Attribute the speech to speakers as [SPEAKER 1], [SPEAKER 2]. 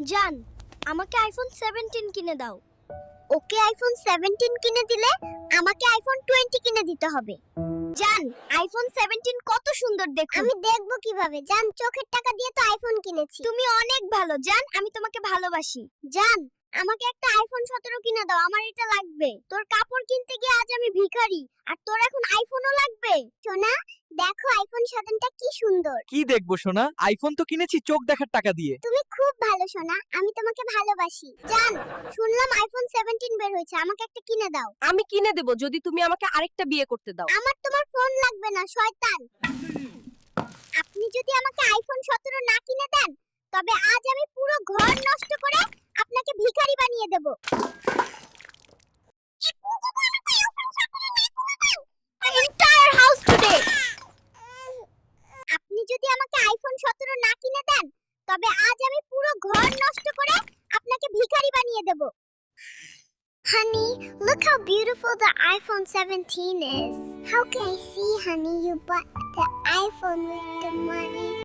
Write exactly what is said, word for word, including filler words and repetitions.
[SPEAKER 1] জান, আমাকে iPhone seventeen কিনে দাও।
[SPEAKER 2] ওকে আইফোন সেভেন্টিন কিনে দিলে আমাকে আইফোন টোয়েন্টি কিনে দিতে হবে।
[SPEAKER 1] জান, আইফোন সেভেন্টিন কত সুন্দর দেখুন।
[SPEAKER 2] আমি দেখব কিভাবে? জান, চোখের টাকা দিয়ে তো আইফোন কিনেছি।
[SPEAKER 1] তুমি অনেক ভালো জান, আমি তোমাকে ভালোবাসি।
[SPEAKER 2] জান, আমাকে একটা আইফোন সতেরো কিনে দাও, আমার এটা লাগবে। তোর কাপড় কিনতে গিয়ে আজ আমি ভিখারি, আর তোর এখন আইফোনও লাগবে। সোনা, দেখো আইফোন সেভেনটা কি সুন্দর।
[SPEAKER 3] কি দেখবো সোনা? আইফোন তো কিনেছি চোখ দেখার টাকা দিয়ে।
[SPEAKER 2] তুমি খুব ভালো সোনা, আমি তোমাকে ভালোবাসি। জান, শুনলাম আইফোন সেভেন্টিন বের হয়েছে, আমাকে একটা কিনে দাও।
[SPEAKER 4] আমি কিনে দেব যদি তুমি আমাকে আরেকটা বিয়ে করতে দাও।
[SPEAKER 2] আমার তোমার ফোন লাগবে না, শয়তান। আপনি যদি আমাকে আইফোন সতেরো না কিনে দেন, তবে আজ আমি পুরো ঘর নষ্ট করে আপনাকে ভিখারি বানিয়ে দেব।
[SPEAKER 1] Entire house today.
[SPEAKER 2] আপনি যদি আমাকে আইফোন সতেরো না কিনে দেন, তবে আজ আমি পুরো ঘর নষ্ট করে আপনাকে ভিখারি বানিয়ে দেব। Honey, look how beautiful the iPhone seventeen is. How can I see, honey? You bought the iPhone with the money.